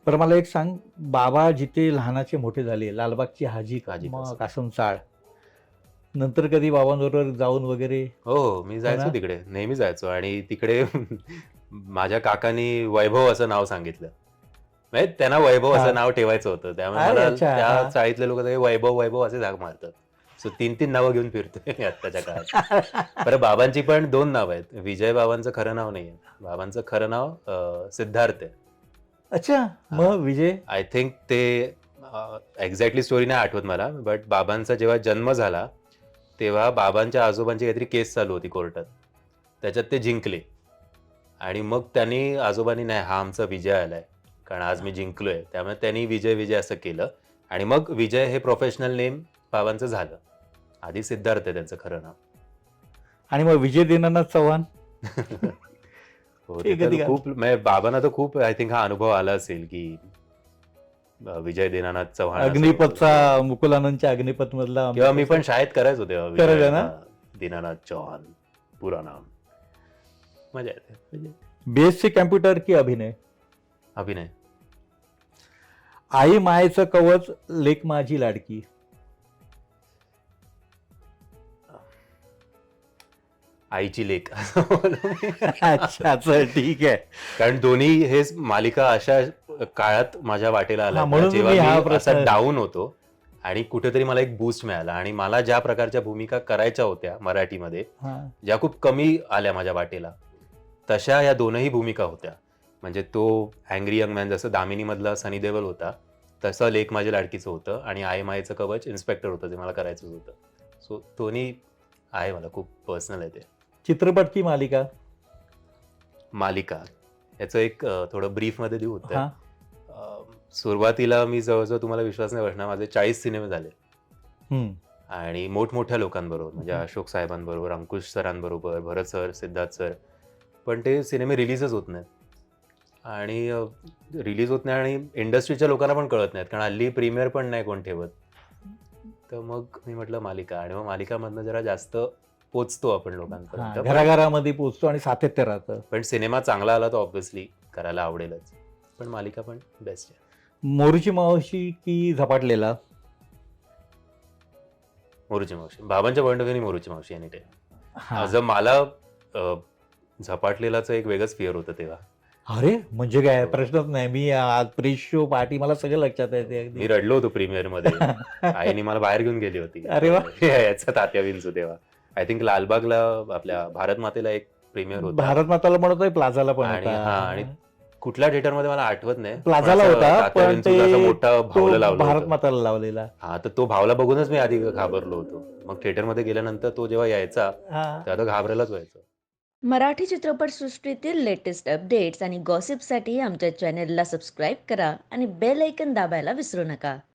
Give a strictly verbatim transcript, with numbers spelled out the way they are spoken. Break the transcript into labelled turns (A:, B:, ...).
A: बरं मला एक सांग, बाबा जिथे लहानाचे मोठे झाले, लालबागची हाजी
B: हाजी
A: मग
B: कासम.
A: कासम चाळ. नंतर कधी बाबांबरोबर जाऊन वगैरे?
B: हो, हो. मी
A: हो
B: जायचो
A: ना?
B: तिकडे. नेहमी जायचो आणि तिकडे माझ्या काकांनी वैभव असं नाव सांगितलं. म्हणजे त्यांना वैभव असं
A: हां.
B: नाव ठेवायचं होतं. त्यामुळे
A: अरे
B: मला
A: अच्छा!
B: त्या
A: हां.
B: चाळीतले लोकं सगळे वैभव, वैभव असेच हाक मारतात. सो तीन तीन नावं घेऊन फिरतोय मी आत्ताच्या काळात. बरं बाबांची पण दोन नावं आहेत. विजय बाबांचं खरं नाव नाहीये. बाबांचं खरं नाव अ, सिद्धार्थ आहे.
A: अच्छा!
B: हां.
A: मग विजय?
B: आय थिंक ते अ, एक्झॅक्टली स्टोरी नाही आठवत मला. बट बाबांचा जेव्हा जन्म झाला, तेव्हा बाबांच्या आजोबांची काहीतरी केस चालू होती कोर्टात. त्याच्यात ते जिंकले. आणि मग त्यांनी आजोबांनी नाही हा आमचा विजय आलाय. कारण आज मी जिंकलोय. त्यामुळे त्यांनी विजय, विजय असं केलं आणि मग विजय हे प्रोफेशनल नेम बाबांचं झालं. आधी सिद्धार्थ आहे त्यांचं खरं नाव.
A: आणि मग विजय दीनानाथ चव्हाण?
B: हो, ते
A: ते कधी
B: तर
A: घाल
B: खूप म्हणजे बाबांना तर खूप आय थिंक हा अनुभव आला असेल, की अ, विजय दीनानाथ चव्हाण असं
A: अग्निपथचा
B: हो.
A: मुकुलानंदच्या अग्निपथमधला
B: किंवा मी
A: अमिताभ
B: पण शाळेत करायचो तेव्हा विजय
A: करायचा ना?
B: हां, दीनानाथ चौहान पूरा नाम. मजा येते. म्हणजे
A: बी-एस-सी कॉम्प्युटर की अभिनय?
B: अभिनय.
A: आई मायेचं कवच, लेक माझी लाडकी.
B: आईची लेक असं बोलू मी.
A: अच्छा, चल ठीक आहे.
B: कारण दोन्ही हेच मालिका अशा काळात माझ्या वाटेला
A: हां,
B: आल्यात ना,
A: म्हणून
B: जेव्हा
A: मी
B: मी
A: हा
B: असा
A: प्रश्न
B: डाउन होतो आणि कुठेतरी मला एक बूस्ट मिळाला आणि मला ज्या प्रकारच्या भूमिका करायच्या होत्या मराठीमध्ये,
A: हां.
B: ज्या खूप कमी आल्या माझ्या वाटेला, तशा या दोनही भूमिका होत्या. म्हणजे तो अँग्री यंग मॅन जसं दामिनीमधला सनी देओल होता, तसं लेक माझ्या लाडकीचं होतं आणि आई मायेचं कवच इन्स्पेक्टर होतं, जे मला करायचंच होतं. सो दोन्ही आहे मला खूप पर्सनल आहे ते.
A: चित्रपट की मालिका?
B: मालिका. याचं एक अ, थोडं ब्रीफमध्ये देऊ उत्तर.
A: हां.
B: अ, सुरुवातीला मी जवळ-जवळ तुम्हाला विश्वास नाही बसणार माझे चाळीस सिनेमे झाले.
A: हं.
B: आणि मोठमोठ्या लोकांबरोबर म्हणजे
A: हं.
B: अशोक साहेबांबरोबर, अंकुश सरांबरोबर, भरत सर, सिद्धार्थ सर. पण ते सिनेमे रिलीजच होत नाहीत. आणि अ, रिलीज होत नाही आणि इंडस्ट्रीच्या लोकांना पण कळत नाहीत. कारण हल्ली प्रीमियर पण नाही कोण ठेवत. तर मग मी म्हटलं मालिका आणि मग मालिकामधनं जरा जास्त पोहोचतो आपण लोकांपर्यंत.
A: हां,
B: पण
A: घराघरामध्ये पोहोचतो आणि सातत्य राहतं.
B: पण सिनेमा चांगला आला तर ऑब्व्हियसली करायला आवडेलच. पण मालिका पण बेस्ट आहे.
A: मोरूची मावशी की झपाटलेला?
B: मोरूची मावशी. बाबांच्या पॉइंट ऑफ व्ह्यूने मोरूची मावशी एनी टाईम. अ,
A: हां.
B: जर मला अ, झपाटलेलाचं एक वेगळंच फिअर होतं तेव्हा.
A: अरे! म्हणजे काय
B: हो.
A: प्रश्नच नाही. मी आज प्री-शो पार्टी मला सगळं लक्षात येते अगदी.
B: मी रडलो होतो प्रीमियरमध्ये. आईने मला बाहेर घेऊन गेली होती.
A: अरे वाह!
B: अ, याचा तात्या विंचू तेव्हा. आय थिंक लालबागला आपल्या भारत मातेला एक प्रीमियर होता.
A: भारत माताला म्हणतोय प्लाझाला पण
B: आणि
A: होता.
B: हां आणि कुठल्या थिएटरमध्ये मला आठवत नाही. पण
A: प्लाझाला
B: असं
A: होता,
B: तात्या
A: पण
B: विंचूचं असं
A: ते
B: मोठं
A: तो
B: भावलं लावलं
A: भारत
B: होतं.
A: माताला लावलेला.
B: हां, तर तो भावला बघूनच मी आधी घाबरलो होतो. मग थिएटरमध्ये गेल्यानंतर तो जेव्हा यायचा,
A: हां.
B: तेव्हा तर घाबरायलाच व्हायचं.
C: मराठी चित्रपटसृष्टीतील लेटेस्ट अपडेट्स आणि गॉसिपसाठी आमच्या चॅनेलला सबस्क्राईब करा आणि बेल ऐकन दाबायला विसरू नका.